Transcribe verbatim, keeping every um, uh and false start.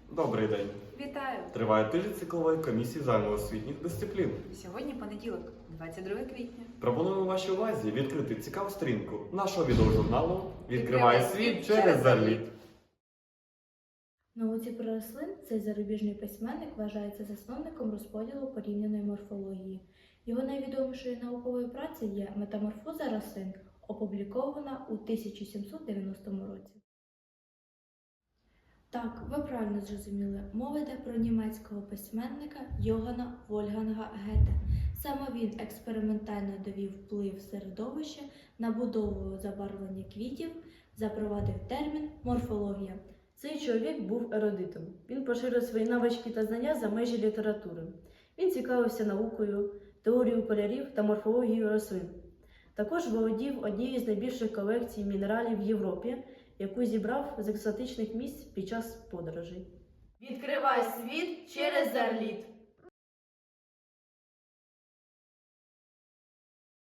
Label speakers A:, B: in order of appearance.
A: Добрий день.
B: Вітаю!
A: Триває тиждень циклової комісії загальноосвітніх дисциплін.
B: Сьогодні понеділок, двадцять друге квітня.
A: Пропонуємо вашій увазі відкрити цікаву сторінку нашого відеожурналу «Відкриває світ через
B: через
A: Зарліт».
C: В науці про рослин цей зарубіжний письменник вважається засновником розподілу порівняної морфології. Його найвідомішою науковою працею є «Метаморфоза рослин», опублікована у тисяча сімсот дев'яностому році. Так, ви правильно зрозуміли, мова йде про німецького письменника Йоганна Вольфганга Гете. Саме він експериментально довів вплив середовища на будову забарвлення квітів, запровадив термін морфологія.
D: Цей чоловік був ерудитом. Він поширив свої навички та знання за межі літератури. Він цікавився наукою, теорією кольорів та морфологією рослин. Також володів однією з найбільших колекцій мінералів в Європі, яку зібрав з екзотичних місць під час подорожей.
E: Відкривай світ через Зарліт.